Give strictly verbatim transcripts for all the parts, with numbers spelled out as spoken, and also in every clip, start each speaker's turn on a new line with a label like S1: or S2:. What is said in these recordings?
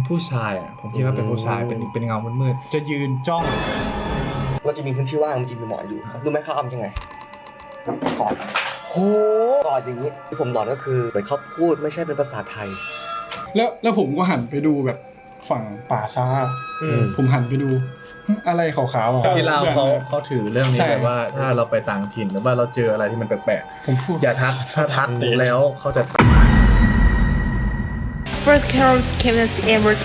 S1: ผู้ชายอ่ะผมคิดว่าเป็นผู้ชายเป็นเป็นเงามืดๆจะยืนจ้อง
S2: เราจะมีพื้นที่ว่างมันจะมีหมอนอยู่รู้ไหมเขาทำยังไงกอดโหกอดอย่างนี้ที่ผมหลอนก็คือเหมือนเขาพูดไม่ใช่เป็นภาษาไทย
S3: แล้วแล้วผมก็หันไปดูแบบฝั่งป่าช้าผมหันไปดูอะไรขาวๆอ่ะ
S1: ที่เราเขาเขาถือเรื่องนี้แบบว่าถ้าเราไปต่างถิ่นหรือว่าเราเจออะไรที่มันแปลกๆผมพูดอย่าทักถ้าทักแล้วเขาจะ
S4: First Carol came as ever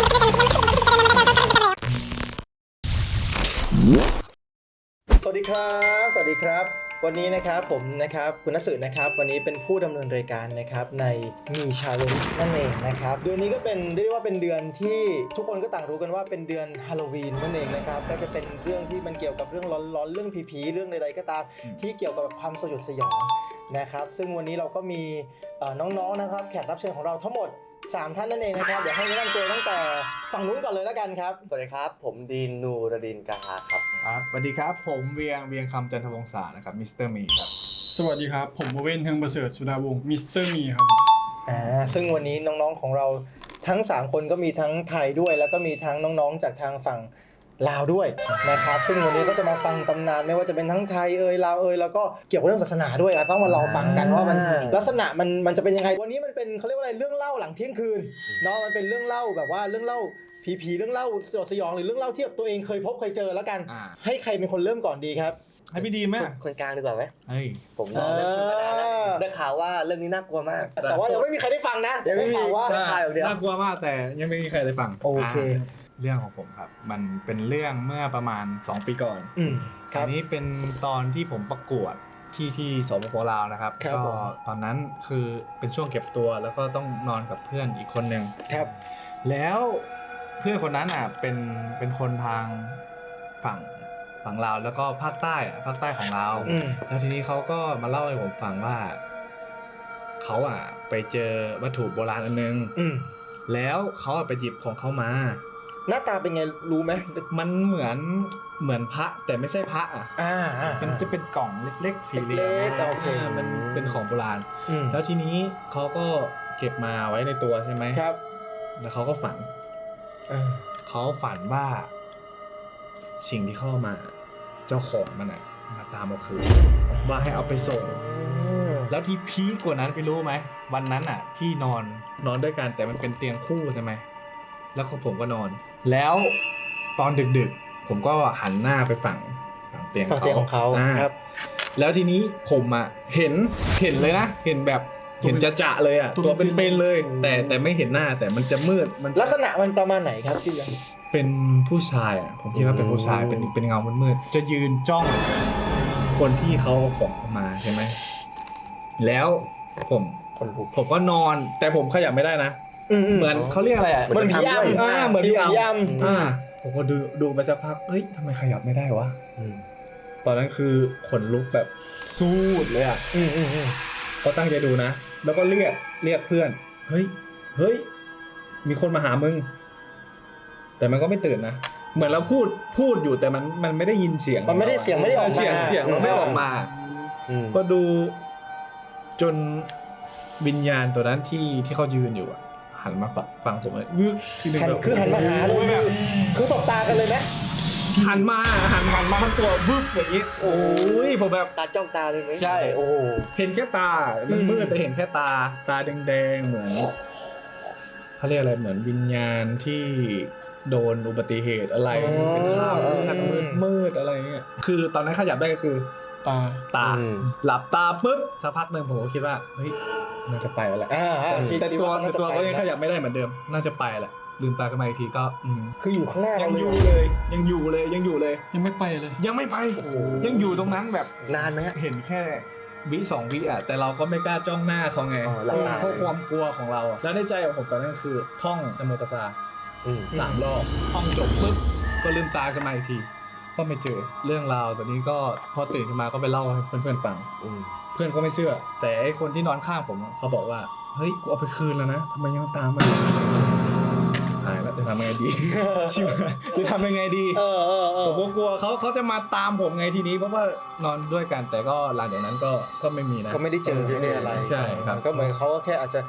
S5: สวัสดีครับสวัสดีครับวันนี้นะครับผมนะครับคุณณสึนะครับวันนี้เป็นผู้ดำเนินรายการนะครับในมีชาเลนจ์นั่นเองนะครับเดือนนี้ก็เป็นเรียกว่าเป็นเดือนที่ทุกคนก็ต่างรู้กันว่าเป็นเดือนฮาโลวีนนั่นเองนะครับก็จะเป็นเรื่องที่มันเกี่ยวกับเรื่องร้อนๆเรื่องผีๆเรื่องใดๆก็ตามที่เกี่ยวกับความสยดสยองนะครับซึ่งวันนี้เราก็มีน้องๆนะครับแขกรับเชิญของเราทั้งหมดสามท่านนั่นเองนะครับเดี๋ยวให้แนะนำตัวตั้งแต่ฝั่งนู้นก่อนเลยแล้วกันครับ
S2: สวัสดีครับผมดีนนูรดินกาฮาครับ
S1: ครับสวัสดีครับผมเวียงเวียงคำจันทวงศานะครับมิสเตอร์มีครับ
S3: สวัสดีครับผมเว้นเทิงประเสริฐสุดาวงศ์มิสเตอร์มีครับ
S5: อ่าซึ่งวันนี้น้องๆของเราทั้งสามคนก็มีทั้งไทยด้วยแล้วก็มีทั้งน้องๆจากทางฝั่งลาวด้วยนะครับซึ่งวันนี้ก็จะมาฟังตำนานไม่ว่าจะเป็นทั้งไทยเอ่ยลาวเอ่ยแล้วก็เกี่ยวกับเรื่องศาสนาด้วยอ่ะต้องมาลองฟังกันว่ามันลักษณะมันมันจะเป็นยังไงวันนี้มันเป็นเขาเรียกว่าอะไรเรื่องเล่าหลังเที่ยงคืนเนาะมันเป็นเรื่องเล่าแบบว่าเรื่องเล่าผีๆเรื่องเล่าสยดสยองหรือเรื่องเล่าที่ตัวเองเคยพบเคยเจอแล้วกันให้ใครเป็นคนเริ่มก่อนดีครับ
S1: ให้พี่ดีไหม
S2: คนกลางดีกว่าไหม
S1: เฮ้ย
S2: ผมรอเรื่องธรรมดาแล้วได้ข่าวว่าเรื่องนี้น่ากลัวมาก
S5: แต่ว่ายังไม่มีใครได้ฟังนะ
S2: ยังไม่มี
S5: ว่า
S2: ข่าวอย่างเดียว
S1: น่ากลัวมากแต่ยังไม่มีใครได้ฟัง
S5: โอเค
S1: เรื่องของผมครับมันเป็นเรื่องเมื่อประมาณสองปีก่อนอันนี้เป็นตอนที่ผมประกวดที่ที่สปป.ลาวนะครับก็ตอนนั้นคือเป็นช่วงเก็บตัวแล้วก็ต้องนอนกับเพื่อนอีกคนนึง
S5: ครับ
S1: แล้วเพื่อนคนนั้นอ่ะเป็นเป็นคนทางฝั่งฝั่งลาวแล้วก็ภาคใต้อ่ะภาคใต้ของลาวแล้วทีนี้เขาก็มาเล่าให้ผมฟังว่าเขาอ่ะไปเจอวัตถุโบราณอันนึงแล้วเขาไปหยิบของเขามา
S5: หน้าตาเป็นไงรู้ไหม
S1: มันเหมือนเหมือนพระแต่ไม่ใช่พระอ่ะ
S5: อ่า
S1: มันจะเป็นกล่องเล็กๆสี่เหลี่ยมโอเคมันเป็นของโบราณแล้วทีนี้เขาก็เก็บมาไว้ในตัวใช่ไหม
S5: ครับ
S1: แล้วเขาก็ฝันเขาฝันว่าสิ่งที่เข้ามาเจ้าของมันอ่ะมาตามเอาคืนว่าให้เอาไปส่งแล้วที่พีคกว่านั้นไปรู้ไหมวันนั้นอ่ะที่นอนนอนด้วยกันแต่มันเป็นเตียงคู่ใช่ไหมแล้วผมก็นอนแล้วตอนดึกๆผมก็หันหน้าไปฝั่งฝั่งเตียง
S5: ฝั่งเตียงของเขาครับ
S1: แล้วทีนี้ผมอ่ะเห็นเห็นเลยนะเห็นแบบเห็นจะๆเลยอ่ะตัวเป็นๆเลยแต่แต่ไม่เห็นหน้าแต่มันจะมืดมัน
S5: ลักษณะมันประมาณไหนครับพี่ยัง
S1: เป็นผู้ชายอ่ะผมคิดว่าเป็นผู้ชายเป็นเป็นเงามืดๆจะยืนจ้องคนที่เขาเอาของมาใช่ไหมแล้วผมผมก็นอนแต่ผมขยับไม่ได้นะเหมือนเขาเรียกอะไรอ่ะ
S5: เหมือนผีย่ำ
S1: อ่าเหมือนผีย่ำอ่าผมก็ดูดูไปสักพักเฮ้ยทำไมขยับไม่ได้วะตอนนั้นคือขนลุกแบบสูดเลยอ่ะก็ตั้งใจดูนะแล้วก็เรียกเรียกเพื่อนเฮ้ยเฮ้ยมีคนมาหามึงแต่มันก็ไม่ตื่นนะเหมือนเราพูดพูดอยู่แต่มันมันไม่ได้ยินเสียง
S5: มันไม่ได้เสียงไม่ได้ออกมา
S1: เสียงเสียงมันไม่ออกมาก็ดูจนวิญญาณตัวนั้นที่ที่เขายืนอยู่อ่ะหันมาฟังผมเลย
S5: คือหันมาหาเลยแบบคือสบตากันเลยไหม
S1: หันมาหันหันมาทั้งตัวบึ้บอย่างนี้โอ้ยผมแบบ
S5: ตาจ้องตาเลยไหม
S1: ใช่โอ้เห็นแค่ตามันมืดแต่เห็นแค่ตาตาแดงๆเหมือนเขาเรียกอะไรเหมือนวิญญาณที่โดนอุบัติเหตุอะไรเป็นข้าวมืดมืดอะไรเงี้ยคือตอนนั้นขยับได้ก็คือตาตาหลับตาปุ๊บสักพักหนึ่งผมก็คิดว่าเฮ้ยน่าจะไปแล้วแหละแต่ตัวตัวก็ยังขยับไม่ได้เหมือนเดิมน่าจะไปแหละลืมตาขึ้นมาอีกทีก็
S5: คืออยู่ข้างหน้า
S1: ยังอยู่เลยยังอยู่เลยยังอยู่เลย
S3: ยังไม่ไปเลย
S1: ยังไม่ไปยังอยู่ตรงนั้นแบบ
S2: นานไหม
S1: เห็นแค่วิสองวิอ่ะแต่เราก็ไม่กล้าจ้องหน้าเขาไงเพราะความกลัวของเราแล้วในใจของผมตอนนั้นคือท่องนะโมตัสสะสามรอบท่องจบปุ๊บก็ลืมตาขึ้นมาอีกทีก็ไม่เจอเรื่องราวตอนนี้ก็พอตื่นขึ้นมาก็ไปเล่าให้เพื่อนๆฟังเพื่อนก็ไม่เชื่อแต่ไอ้คนที่นอนข้างผมเขาบอกว่าเฮ้ยกูเอาไปคืนแล้วนะทำไมยังตามมาหายแล้วจะทำยังไงดีชิวจะทำยังไงดีผมก็กลัวเขาเขาจะมาตามผมไงทีนี้เพราะว่านอนด้วยกันแต่ก็หลังจากนั้นก็ก็ไม่มีนะ
S5: ก็ไม่ได้เจอไม่ได้อะไร
S1: ใช่ครับ
S5: ก็เหมือนเขาก็แค่อาจจะ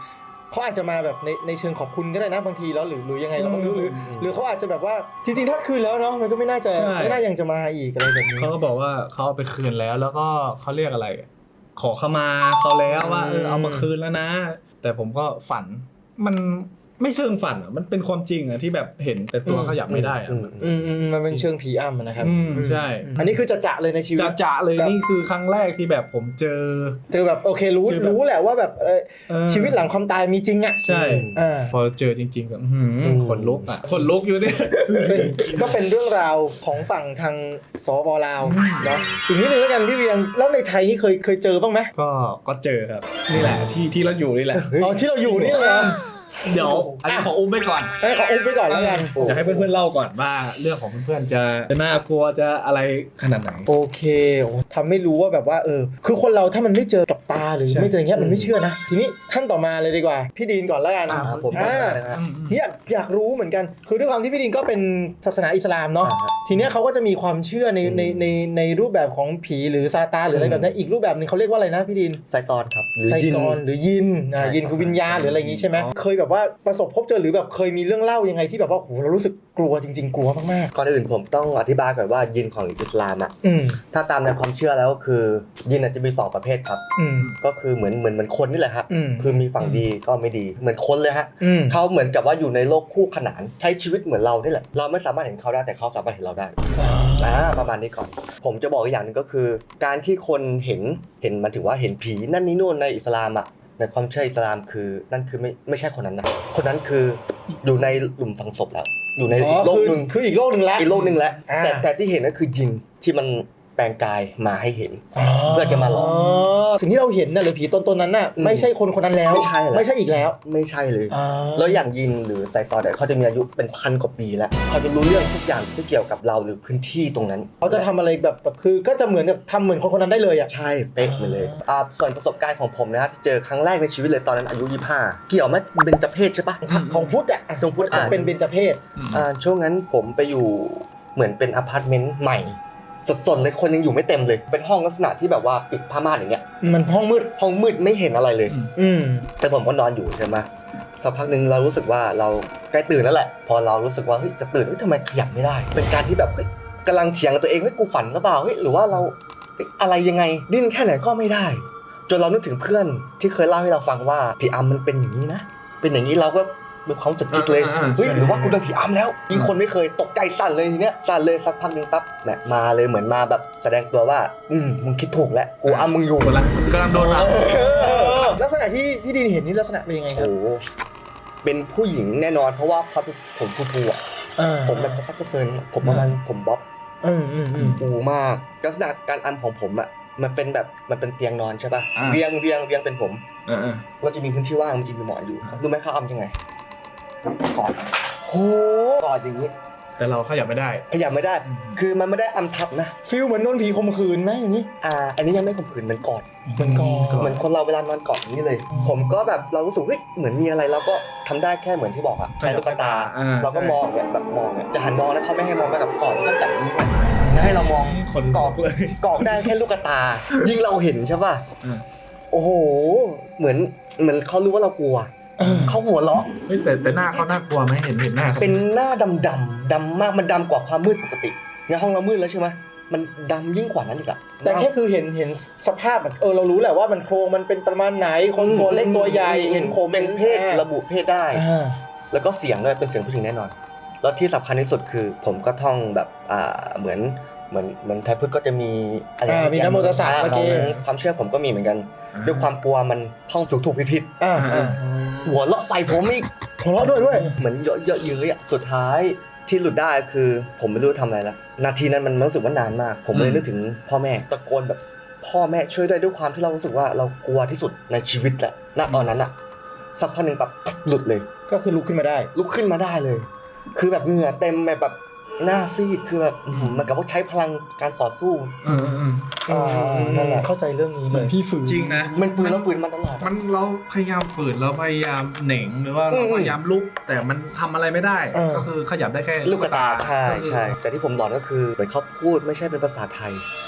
S5: เขาอาจจะมาแบบในในเชิงขอบคุณก็ได้นะบางทีแล้วหรือหรือยังไงเราก็ไม่รู้หรือหรือเขาอาจจะแบบว่าจริงๆถ้าคืนแล้วเนาะมันก็ไม่น่าจะไม่น่ายังจะมาอีกอะไรแบบนี้
S1: เขาก็บอกว่าเขาเอาไปคืนแล้วแล้วก็เขาเรียกอะไร ขอขมาเขาแล้วว่าเออเอามาคืนแล้วนะ แต่ผมก็ฝันมันไม่เชิงฝันอ่ะมันเป็นความจริงอ่ะที่แบบเห็นแต่ตัวเขาอยากไม่ได้อ่ะ
S5: อืมอืมมันเป็นเชิงผีอำนะครับ
S1: อืมใช่
S5: อันนี้คือจะจะเลยในชีวิต
S1: จะจะเลยนี่คือครั้งแรกที่แบบผมเจอ
S5: เจอแบบโอเครู้
S1: เจอแบบ
S5: รู้แหละว่าแบบเออ
S1: เออ
S5: ชีวิตหลังความตายมีจริงอ่ะ
S1: ใช่
S5: อ่า
S1: พอเจอจริงๆก็อื้อหือขนลุกอ่ะขนลุกอยู่เนี่ย
S5: เป็นก็เป็นเรื่องราวของฝั่งทางสปลาวเนาะอีกนิดนึงแล้วกันพี่เวียงแล้วในไทยนี่เคยเคยเจอบ้างไหม
S1: ก็ก็เจอครับนี่แหละที่ที่เราอยู่นี่แหละ
S5: อ๋อที่เราอยู่นี่เลย
S1: เดี๋ยวอันนี้ขออุ้มไปก่อน
S5: ให้ขออุ้มไปก่อนแล้วกัน
S1: อยากให้เพื่อนๆเล่าก่อนว่าเรื่องของเพื่อนๆจะจะน่ากลัวจะอะไรขนาดไหน
S5: โอเคโอ้ทำไม่รู้ว่าแบบว่าเออคือคนเราถ้ามันไม่เจอกับตาหรือ
S1: ใช่
S5: ไม่เจออย่างเงี้ยมันไม่เชื่อนะทีนี้ท่านต่อมาเลยดีกว่าพี่ดีนก่อนแล้วกัน
S2: อ่าผม
S5: อ่า
S2: ก็ได้นะฮะ
S1: อืมอืม
S5: อยากอยากรู้เหมือนกัน คือด้วยความที่พี่ดินก็เป็นศาสนาอิสลามเนาะ
S2: อ่าฮะ
S5: ทีเนี้ยเขาก็จะมีความเชื่อใน
S2: อืม
S5: ในในในรูปแบบของผีหรือซาตานหรืออะไร
S2: อืม
S5: แบบนี้อีกรูปแบบหนึงเขาเรียกว่าอะไรนะพี่ดิน
S2: ไซตอนครับหรือ
S5: ไซ
S2: ยิน
S5: ตอนหรือยินอ่า
S2: ใช่
S5: ยินคือวิญญาณหรืออะไรอย่างงี้ใช่ไหมเคยแบบว่าประสบพบเจอหรือแบบเคยมีเรื่องเล่ายังไงที่แบบว่าโหเรารู้สึกกลัวจริง ๆ กลัวมาก
S2: ก่อนอื่นผมต้องอธิบายก่อนว่ายินของอิสลามอ่ะ
S5: ๆอืม
S2: ถ้าตามในความเชื่อแล้วคือยินอาจจะมีสองประเภทครับ
S5: อืม
S2: ก็คือเหมือนเหมือนเหมือนคนนี่แหละฮะ
S5: อืม
S2: คือมีฝั่งดีก็ไม่ดีเหมือนคนเลยฮะ
S5: อืม
S2: เขาเหมือนกับว่าอยู่ในโลกคู่ขนานใช้ชีวิตเหมือนเรานี่แหละเราไม่สามารถเห็นเขาได้แต่เขาสามารถเห็นเราได้อ่าประมาณนี้ก่อน ผมจะบอกอีกอย่างหนึ่งก็คือ การที่คนเห็นเห็นมันถือว่าเห็นผีนั่นนี่นู่นในอิสลามอ่ะในความเชื่ออิสลามคือนั่นคือไม่ไม่ใช่คนนั้นนะคนนั้นคืออยู่ในหลุมฝังศพแล้ว อยู่ใน
S5: อ๋
S2: อี
S5: อก
S2: โลก
S5: คือ
S2: หนึ่ง
S5: คืออีกโลกหนึ่งแล้ว
S2: อีกโลกหนึ่งแล้ว
S5: อ่า
S2: แต่แต่ที่เห็นก็คือยินที่มันแปลงกายมาให้เห็น เพื่อจะมาหลอก
S5: สิ่งที่เราเห็นน่ะหรือผีตนตนนั้นน่ะ
S2: อืม
S5: ไม่ใช่คนคนนั้นแล้ว
S2: ไม่ใช่แล้ว
S5: ไม่ใช่อีกแล้ว
S2: ไม่ใช่เลย
S5: อ่า
S2: แล้วอย่างยินหรือไซตอนเนี่ยเขาจะมีอายุเป็นพันกว่าปีแล้วเขาจะรู้เรื่องทุกอย่างที่เกี่ยวกับเราหรือพื้นที่ตรงนั้น
S5: เขาจะทำอะไรแบบแบบคือก็จะเหมือนกับทำเหมือนคนคนนั้นได้เลยอ่ะ
S2: ใช่เป๊ะไปเลยอ่าส่วนประสบการณ์ของผมนะฮะที่เจอครั้งแรกในชีวิตเลยตอนนั้นอายุยี่สิบห้าเกี่ยวไหมเบญจเพศใช่ปะ
S5: ของพุทธอ่ะ
S2: ของพุทธอ่ะ
S5: เป็นเบญจเพศ
S2: อ่าช่วงนั้นผมไปอยู่เหมือนเป็นอพาร์ตเมนต์ใหม่สดๆเลยคนยังอยู่ไม่เต็มเลยเป็นห้องลักษณะที่แบบว่าปิดผ้าม่านอย่างเงี้ย
S5: มันห้องมืด
S2: ห้องมืดไม่เห็นอะไรเลย
S5: อืม
S2: แต่ผมก็นอนอยู่ใช่ไหมสักพักหนึ่งเรารู้สึกว่าเราใกล้ตื่นแล้วแหละ พอเรารู้สึกว่าเฮ้ยจะตื่นเฮ้ยทำไมขยับไม่ได้ เป็นการที่แบบเฮ้ยกำลังเถียงกับตัวเองว่ากูฝันหรือเปล่าเฮ้ยหรือว่าเราเฮ้ยอะไรยังไงดิ้นแค่ไหนก็ไม่ได้ จนเรานึกถึงเพื่อนที่เคยเล่าให้เราฟังว่าผีอำมันเป็นอย่างนี้นะเป็นอย่างนี้เราก็มีความรู้สึกคิดเลย
S1: อ่าอ่า
S2: เฮ้ย
S1: ใช่
S2: หรือว่ากูโดนผีอำแล้วยิ่งคนไม่เคยตกใจสั่นเลยทีเนี้ยสั่นเลยสักพักหนึ่งปั๊บแหมมาเลยเหมือนมาแบบแสดงตัวว่าอืมมึงคิดถูกแล้วกูอำมึงอยู่
S1: กำลังกำลังโดนอ่ะ
S5: ลักษณะที่พี่ดินเห็นนี่ลักษณะเป็นยังไงครับ
S2: โอ้โหเป็นผู้หญิงแน่นอนเพราะว่าเขาเป็นผมฟูๆอ่ะ
S5: อ่า
S2: ผมแบบกระซักกระเซินผมประมาณผมบ๊อบ
S5: อืมอืมอืม
S2: ฟูมากลักษณะการอำของผมอ่ะมันเป็นแบบมันเป็นเตียงนอนใช่ป่ะ
S1: อ่า
S2: เวียงเวียงเวียงเป็นผม
S1: เออ
S2: เราจะมีพื้นที่ว่างมันจะมีหมอนอยู่รู้ไหมเขาอำยังไงกอดโหกอดอย่างนี้
S1: แต่เราขยับไม่ได้
S2: ขยับไม่ได้
S1: อืม
S2: คือมันไม่ได้อำทับนะ
S5: ฟิลเหมือนโดนผีข่มขืนไหมอย่างนี้
S2: อ่าอันนี้ยังไม่ข่มขืนมันกอด
S5: เหมือนกอด
S2: เหมือนคนเราเวลานอนกอดอย่างนี้เลย ผมก็แบบเรารู้สึกเฮ้ยเหมือนมีอะไรเราก็ทำได้แค่เหมือนที่บอกอะใช้ลูกตา
S1: อ่า
S2: เราก็มองเนี่ยแบบมองเนี่ยจะหันมองแล้วเขาไม่ให้มองไปกับกอดแล้วก็จับนี้ไงไม่ให้เรามอง
S1: คน
S2: ก
S1: ก
S2: อ
S1: อก กเลย
S2: กอกได้แค่ลูกตา ยิ่งเราเห็นใช่ป่ะ
S1: อ่า
S2: โอ้โหเหมือนเหมือนเขารู้ว่าเรากลัว
S5: เออ
S2: เขาหัวเราะ
S1: เฮ้ยแต่แต่หน้าเขาน่ากลัวไหมเห็นเห็นหน้าเขา
S2: เป็นหน้าดำดำๆดำมากมันดำกว่าความมืดปกติในห้องเรามืดแล้วใช่ไหมมันดำยิ่งกว่านั้นอีกอะ
S5: แต่แค่คือเห็นเห็นสภาพแบบเออเรารู้แหละว่ามันโครงมันเป็นประมาณไหนคนตัวเล็กตัวใหญ่เห็นโครง
S2: เป็นเพศระบุเพศได้
S5: อ่า
S2: แล้วก็เสียงด้วยเป็นเสียงผู้หญิงแน่นอน แล้วที่สำคัญที่สุดคือ ผมก็ท่องแบบอ่าเหมือนเหมือนเหมือนไทยพุทธก็จะมีอะไร
S5: อ่ามีนะโมตัสสะ
S2: อ่า
S5: เมื่อกี้
S2: ของความเชื่อผมก็มีเหมือนกัน ด้วยความกลัวมันท่องถูกถูกผิดผิด
S5: อ่าอ่า
S2: ๆหัวเราะใส่ผมอีก
S5: หัวเราะด้วยด้วย
S2: เหมือนเยอะเยอะเย้ยอะสุดท้ายที่หลุดได้คือผมไม่รู้ทำอะไรละนาทีนั้นมันรู้สึกว่านานมาก ผมเลยนึกถึงพ่อแม่ตะโกนแบบพ่อแม่ช่วยด้วยด้วยความที่เรารู้สึกว่าเรากลัวที่สุดในชีวิตแหละณตอนนั้นอะสักพักหนึ่งแบบหลุดเลย
S5: ก็คือลุกขึ้นมาได้
S2: ลุกขึ้นมาได้เลย คือแบบเหงื่อเต็มแบบแบบหน้าซีดคือแบบอื้อหือเหมันกับว่าใช้พลังการต่อสู้
S1: เออเออ
S2: อ่านั่นแหละ
S5: เข้าใจเรื่องนี้
S3: เห
S5: เล
S3: มือน
S5: ย
S3: พี่ฝืน
S1: จริงนะ
S2: มันฟื้นแล้วฟื้นมาตลอด
S1: มันเราพยายามฝืนเราพยายามเหน่งหรือว่า
S2: อื
S1: เรา
S2: ม
S1: พยายามลุกแต่มันทำอะไรไม่ได้
S5: เออ
S1: ก็คือขยับได้แค่
S2: ลูกกระตาใช่
S1: ก็คือ
S2: ใช่แต่ที่ผมหลอนก็คือเหมือนเขาพูดไม่ใช่เป็นภาษาไทย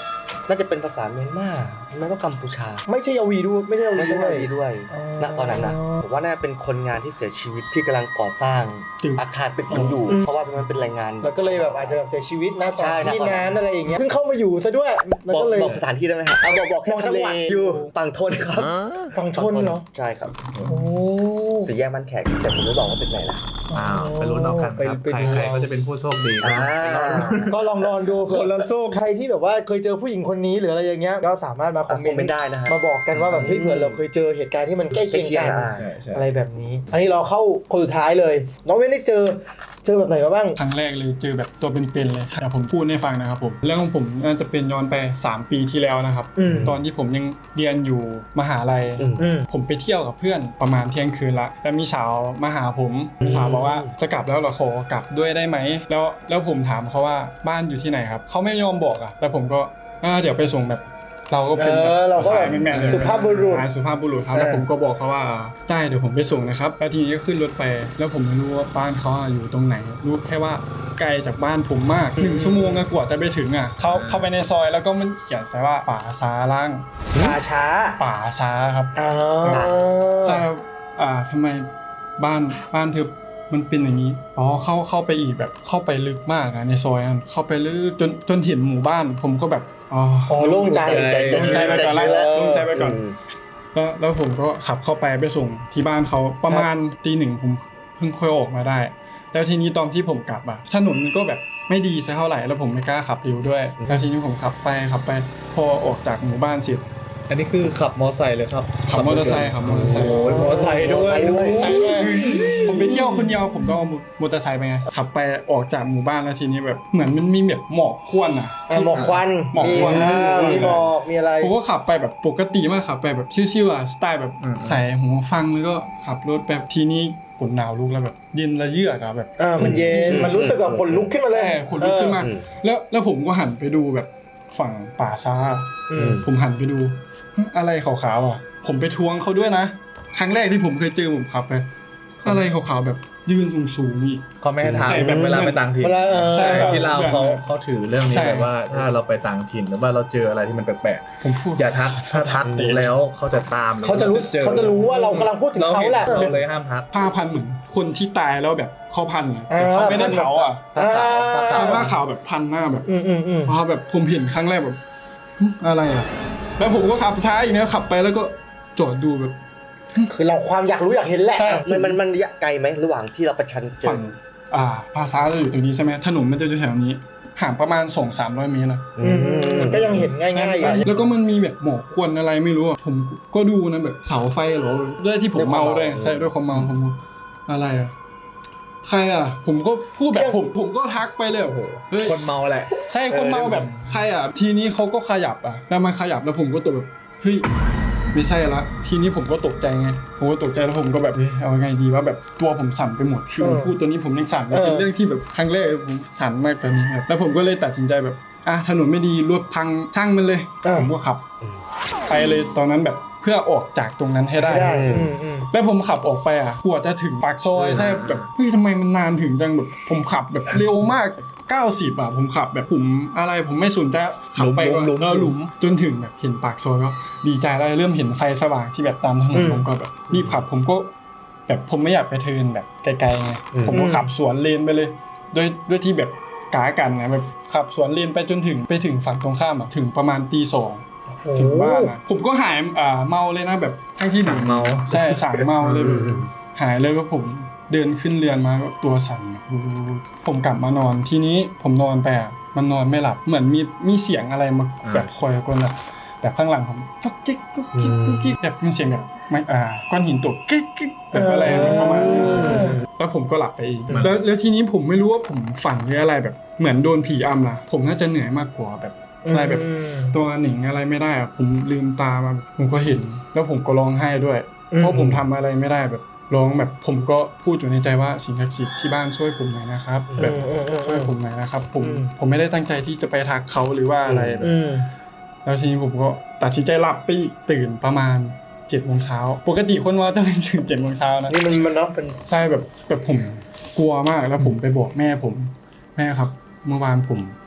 S2: น่าจะเป็นภาษาเมียนมาไม่ก็กัมพูชา
S5: ไม่ใช่ยาวีด้วยไม่ใช่ยาวี
S2: ไม่ใช่
S5: ด้ว
S2: ยาย วีด้วย
S5: อ๋อ
S2: ณตอนนั้นนะผมว่าน่าเป็นคนงานที่เสียชีวิตที่กำลังก่อสร้าง
S3: ตึก
S2: อาคารตึกยังอยู่ เพราะว่าตรงนั้นเป็นแรงงาน
S5: แล้วก็เลยแบบอาจจะแบบเสียชีวิตนะตอ
S2: ใช่
S5: น
S2: นะ
S5: ที่
S2: ตอนนั้น
S5: งานอะไรอย่างเงี้ยเพิ่งเข้ามาอยู่ซะด้วยแล้ว
S2: บอก
S5: ก็เลย
S2: บอกสถานที่ได้ไหมครับเอาบอกบอกแค่
S5: บอกจั
S2: ทะ
S5: ง
S2: เล
S5: หวัด
S2: อยู่ฝั่งทนครับ
S5: ฝั่งทนเหรอ
S2: ใช่ครับ
S5: โอ้
S2: สี่แยกมันแขกแต่ผมไม่บอกว่าเป็นไหนนะ
S1: อ้าวไปลุ้นเอากันครับ
S5: ไป
S1: ใคร
S5: ดู
S1: ใครก็จะเป็นผู้โชคดี
S2: อ่า
S5: ก็ลองลองดู
S1: คนละโชค
S5: ใครที่แบบว่าเคยเจอผู้หญิงคนนี้หรืออะไรอย่างเงี้ยก็สามารถมาคอมเม
S2: คอมเมน
S5: น
S2: ต์
S5: ต์
S2: ได้นะฮะ
S5: มาบอกกันว่าแบบเฮ้ยเผื่อเราเคยเจอเหตุการณ์ที่มันใกล้เคียง
S2: ใกล้เคีย
S5: กั
S2: ง
S5: น
S2: อ่ะ
S1: ใช่ใช่
S5: อะไรแบบนี้ อันนี้เราเข้าคนสุดท้ายเลย น้องเว้นได้เจอเจอแบบไหนมาบ้าง
S3: ครั้งแรกเลยเจอแบบตัวเป็นๆเลยเดี๋ยวผมพูดให้ฟังนะครับผมเรื่องของผมน่าจะเป็นย้อนไปสามปีที่แล้วนะครับ
S5: อืม
S3: ตอนที่ผมยังเรียนอยู่มหาลัย
S2: อืม
S5: อืม
S3: ผมไปเที่ยวกับเพื่อนประมาณเที่ยงคืนละแล้วมีสาวมาหาผมถามบอกว่าจะกลับแล้วเหรอขอกลับด้วยได้ไหมแล้วแล้วผมถามเขาว่าบ้านอยู่ที่ไหนครับเขาไม่ยอมบอกอ่ะแล้วผมก็อ่าเดี๋ยวไปส่งแบบเราก็เป็น
S5: เอ
S3: แบบ
S5: อเราก็
S3: สายแมนๆเลย
S5: สุภาพบุรุษ
S3: อ่าสุภาพบุรุษครับ
S5: เออ
S3: แล้วผมก็บอกเขาว่าได้เดี๋ยวผมไปส่งนะครับแล้วทีนี้ก็ขึ้นรถไป แล้วผมไม่รู้ว่าบ้านเขาอะอยู่ตรงไหนรู้แค่ว่าไกลจากบ้านผมมากหนึ่งชั่วโมงกว่าจะไปถึงอ่ะเขาเข้าไปในซอยแล้วก็มันเขียนใส่ว่าป่าซาล่าง
S5: ป่าช้า
S3: ป่าซาครับ
S5: อ๋อ
S3: ใช่ครับอ่าทำไมบ้านบ้านเธอมันเป็นอย่างนี้ อ๋อ เข้าเข้าไปอีกแบบเข้าไปลึกมากอะในซอยนั้นเข้าไปลึกจนจนเห็นหมู่บ้าน ผมก็แบบ อ๋อ
S5: อ๋อโล่งใจ
S3: โล่งใจไปก่อนละ
S5: ใจ
S3: โล่งใจไปก่อน
S2: อืม
S3: แล้วแล้วผมก็ขับเข้าไปไปส่งที่บ้านเขาประมาณตีหนึ่งผมเพิ่งค่อยออกมาได้ แล้วทีนี้ตอนที่ผมกลับอะถนนมันก็แบบไม่ดีสักเท่าไหร่แล้วผมไม่กล้าขับเร็วด้วย แล้วทีนี้ผมขับไปขับไปพอออกจากหมู่บ้านเสร็จ
S1: อันนี้คือขับมอไซค์เลยครับ
S3: ขับมอเตอร์ไซค์ขับมอเตอร์ไซค์
S1: โอ้ยมอไซค์ด้วย
S2: มอไซค์ด้วย
S3: ใช่ด้วยผมไปเที่ยวคนเดียวผมต้องเอามอเตอร์ไซค์ไปไงขับไปออกจากหมู่บ้านแล้วทีนี้แบบเหมือนมันมีแบบหมอกควันอ่ะ
S5: อ่ะหมอกควัน
S3: หมอกควัน
S5: มีอ่ามีหมอกมีอะไร
S3: ผมก็ขับไปแบบปกติมากขับไปแบบชิวๆอ่ะสไตล์แบบ
S1: อืม
S3: ใส่หูฟังแล้วก็ขับรถแบบทีนี้ฝนหนาวลุกแล้วแบบเย็นระเยือกอะแบบ
S5: อ่ามันเย็นมันรู้สึกแบบขนลุกขึ้นมาเลย
S3: ใช่ขนลุกขึ้นมา
S2: อืม
S3: แล้วแล้วผมก็หันไปดูแบบฝั่งป่าซ่า
S5: อืม
S3: ผมหันไปดูอะไรขาวๆอ่ะ ผมไปทวงเขาด้วยนะครั้งแรกที่ผมเคยเจอผมขับไปอะไรขาวๆแบบยืนสูงๆอีก
S1: เขาไม่ให้ทาง
S3: ใช่แบบ
S1: เวลาไปต่างถิ่น
S5: เวลาเออ
S3: ใช่
S1: ที่เราวเขาเขาถือเรื่องนี้
S3: ใช่
S1: แบบว่าถ้าเราไปต่างถิ่นหรือว่าเราเจออะไรที่มันแปลก
S3: ผมพูด
S1: ๆอย่าทักถ้าทักแล้วเขาจะตาม
S5: เขาจะรู้
S1: เจอ
S5: เขาจะรู้ว่าเรากำลังพูดถึงเขาแหละ
S1: เราเลยห้ามทัก
S3: ผ้าพันเหมือนคนที่ตายแล้วแบบเขาพันอะ
S5: อ่า
S3: เขาไม่ได้เผาอ่ะ
S5: อ่า
S3: ผ้าผ้าขาวแบบพันหน้าแบบ
S5: อืมอืมอืม
S3: พอแบบผมเห็นครั้งแรกแบบหึอะไรอ่ะ แล้วผมก็ขับช้าอีกนะขับไปแล้วก็จอดดูแบบ
S5: คือเราความอยากรู้อยากเห็นแหละ
S3: ใช่
S2: มันมันมันระยะไกลไหมระหว่างที่เราประชันเจอ
S3: ฝั่งอ่าภาษาจะอยู่ตรงนี้ใช่ไหมถนนมันจะอยู่แถวนี้ห่างประมาณสองสามร้อยเมตรนะ
S5: อืมอืมอืมก็ยังเห็นง่ายๆอยู่
S3: แล้วก็มันมีแบบหมอกควันอะไรไม่รู้อ่ะผมก็ดูนะแบบเสาไฟเหรอด้วยที่ผมเมาด้วยใช่ด้วยความเมาผมก็อะไรอ่ะใครอ่ะ ผมก็พูดแบบผมผมก็ทักไปเลยโอ้โหเฮ้ย
S1: คนเมาแหละ
S3: ใช่คนเมาแบบใครอ่ะ ทีนี้เขาก็ขยับอ่ะแล้วมันขยับแล้วผมก็ตกแบบเฮ้ยไม่ใช่ละทีนี้ผมก็ตกใจไงผมก็ตกใจแล้วผมก็แบบเฮ้ยเอาไงดีว่าแบบตัวผมสั่นไปหมดคือผมพูดตัวนี้ผมยังสั่นเลยเป็นเรื่องที่แบบครั้งแรกผมสั่นมากตอนนี้ครับแล้วผมก็เลยตัดสินใจแบบอ่ะถนนไม่ดีรถพังช่างมันเลย
S5: อ่า
S3: ผมก็ขับ ไปเลยตอนนั้นแบบเพื่อออกจากตรงนั้นให้ได้
S5: ได้อืมอืม
S3: แล้วผมขับออกไปอ่ะกว่าจะถึงปากซอยใช่แบบเฮ้ยทำไมมันนานถึงจังแบบผมขับแบบเร็วมากเก้าสิบอ่ะผมขับแบบผมอะไรผมไม่สนใจขับไปก็
S1: หลุมๆ
S3: เออหลุมจนถึงแบบเห็นปากซอยก็ดีใจแล้วเริ่มเห็นไฟสว่างที่แบบตามถนนผมก็แบบรีบขับผมก็แบบผมไม่อยากไปเทิร์นแบบไกลๆไงผมก็ขับสวนเลนไปเลยด้วยด้วยที่แบบกากันนะแบบขับสวนเลนไปจนถึงไปถึงฝั่งตรงข้ามอ่ะถึงประมาณตีสองถึงบ้านอ่ะผมก็หายอ่าเมาเลยนะแบบทั้งที่
S1: สั่งเมา
S3: ใช่สั่งเมาเลยแบบหายเลยก็ผมเดินขึ้นเรือนมาก็ตัวสั่นแบบผมกลับมานอนทีนี้ผมนอนไปอ่ะมันนอนไม่หลับเหมือนมีมีเสียงอะไรมาแบบคอยกวนแบบแบบข้างหลังผมก๊อกกิ๊กก๊อกกิ๊กก๊อกกิ๊กแบบมีเสียงแบบไม่อ่าก้อนหินตกกิ๊กกิ๊กแบบอะไรประมาณนี้แล้วผมก็หลับไปเองแล้วแล้วทีนี้ผมไม่รู้ว่าผมฝันหรืออะไรแบบเหมือนโดนผีอำล่ะผมน่าจะเหนื่อยมากกว่าแบบอะไรแบบตัวหนิงอะไรไม่ได้อ่ะผมลืมตามาผมก็เห็นแล้วผมก็ร้องไห้ด้วยเพราะผมทำอะไรไม่ได้แบบร้องแบบผมก็พูดอยู่ในใจว่าสิ่งศักดิ์สิทธิ์ที่บ้านช่วยผมหน่อยนะครับแบบช่วยผมหน่อยนะครับผมผมไม่ได้ตั้งใจที่จะไปทักเขาหรือว่าอะไรแบบแล้วทีนี้ผมก็ตัดสินใจหลับไปอีกตื่นประมาณเจ็ดโมงเช้าปกติคนว่าต้องตื่นเจ็ดโมงเช้านะ
S5: นี่มันมันเนาะเป็น
S3: ใช่แบบแบบผมกลัวมากแล้วผมไปบอกแม่ผมแม่ครับ เมื่อวานผม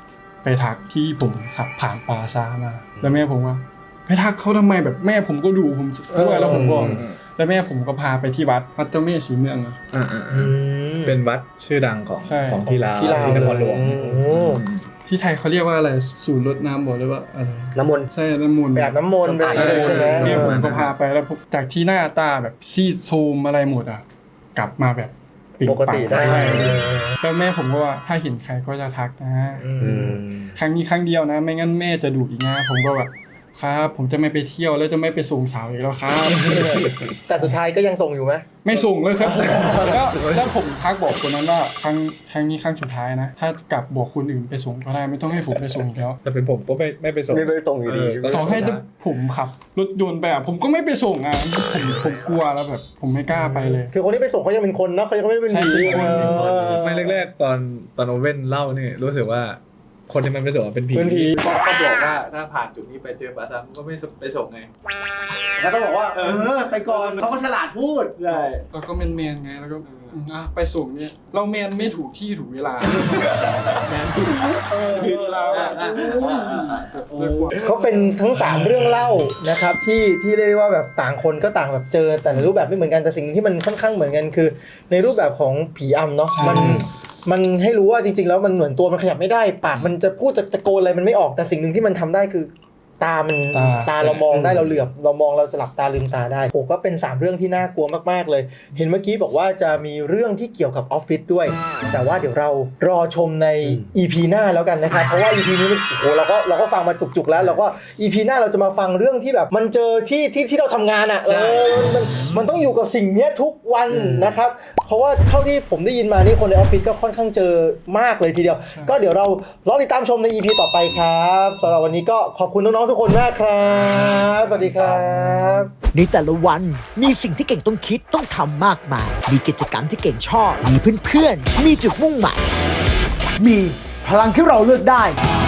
S3: ไปทักที่ผมขับผ่านปาซามาแล้วแม่ผมว่าไปทักเขาทำไมแบบแม่ผมก็ดูผมด้วยแล้วผมบอกแล้วแม่ผมก็พาไปที่วัดวัดเจ้าแม่สีเมืองอะ
S1: อ่า
S5: อืม
S1: เป็นวัดชื่อดังของ
S3: ใช่
S1: ของที่ลาว
S5: ที่ลาว
S1: ที่นครหลวง
S5: โอ้
S3: ที่ไทยเขาเรียกว่าอะไรศูนย์รดน้ำบอกเลยว่าอะไร
S5: น้ำมนต์
S3: ใช่น้ำมนต์
S5: ไปอาบน้ำมนต์ไปอะไรใช่ไหม
S3: แม่ผมก็พาไปแล้วผมจากที่หน้าตาแบบซีดโทรมอะไรหมดอ่ะกลับมาแบบปิด
S5: ปกติได้
S3: ใช่แล้วแม่ผมก็ว่าถ้าเห็นใครก็จะทักนะ
S5: อืม
S3: ครั้งนี้ครั้งเดียวนะ ไม่งั้นแม่จะดุอีกนะผมก็แบบครับผมจะไม่ไปเที่ยวแล้วจะไม่ไปส่งสาวอีกแล้วครับ
S5: แต่สุดท้ายก็ยังส่งอยู่ไหม
S3: ไม่ส่งเลยครับแล้วแล้วผมทักบอกคนนั้นว่าครั้งครั้งนี้ครั้งสุดท้ายนะถ้ากลับบอกคนอื่นไปส่งก็ได้ไม่ต้องให้ผมไปส่งอีกแล้ว
S1: แต่เป็นผมก็ไม่ไม่ไปส่ง
S2: ไม่ไปส่งอยู่ดี
S1: เออ
S3: ต่อให้จะผมขับรถยนต์ไปอ่ะผมก็ไม่ไปส่งอ่ะผมผมกลัวแล้วแบบ ผมไม่กล้าไปเลย
S5: คือคนที่ไปส่งเขายังเป็นคนเนาะเขายังไม่ได้เป็นผี
S3: ใช่เป็นคน
S5: เออ
S1: ไม่แรกๆตอนตอนโอเว่นเล่านี่รู้สึกว่าคนที่มันไปส่งเป็นผี
S5: เป็นผี
S1: เพราะเขาบอกว่าถ้าผ่านจุดนี้ไปเจอปลาซัมก็ไม่ไปส่งไง
S5: แล้วต้องบอกว่าเออไปก่อนเขาก็ฉลาดพูด
S1: ใช่
S3: แล้วก็แมนแมนๆไงแล้วก็อ่ะไปส่งเนี่ยเราแมนไม่ถูกที่ถูกเวลาแมนถูกผิดแล้วอ่ะ
S5: เขาเป็นทั้งสามเรื่องเล่านะครับที่ที่เรียกว่าแบบต่างคนก็ต่างแบบเจอแต่ในรูปแบบไม่เหมือนกันแต่สิ่งที่มันค่อนข้างเหมือนกันคือ ในรูปแบบของผีอำเนาะมันมันให้รู้ว่าจริงๆแล้วมันเหมือนตัวมันขยับไม่ได้ปากมันจะพูดจะตะโกนอะไรมันไม่ออกแต่สิ่งหนึ่งที่มันทำได้คือ ตามัน
S3: ตา
S5: ตาเรามองได้เราเหลือบเรามองเราจะหลับตาลืมตาได้โอ้ก็เป็นสามเรื่องที่น่ากลัวมากๆเลย เห็นเมื่อกี้บอกว่าจะมีเรื่องที่เกี่ยวกับออฟฟิศด้วย แต่ว่าเดี๋ยวเรารอชมใน อี พี หน้าแล้วกันนะครับเพราะว่า อี พี นี้มันโอ้โหเราก็เราก็ฟังมาจุกๆแล้วเราก็ อี พี หน้าเราจะมาฟังเรื่องที่แบบมันเจอที่ที่ที่เราทำงานอ่ะเออมันมันต้องอยู่กับสิ่งเนี้ยทุกวันนะครับเพราะว่าเท่าที่ผมได้ยินมานี่คนในออฟฟิศก็ค่อนข้างเจอมากเลยทีเดียว ก็เดี๋ยวเรารอติดตามชมใน อี พี ต่อไปครับสำหรับวันนี้ก็ขอบคุณน้องๆทุกคนมากครับสวัสดีครับ
S6: ในแต่ละวันมีสิ่งที่เก่งต้องคิดต้องทำมากมาย มีกิจกรรมที่เก่งชอบ มีเพื่อนๆ มีจุดมุ่งหมาย
S7: มีพลังที่เราเลือกได้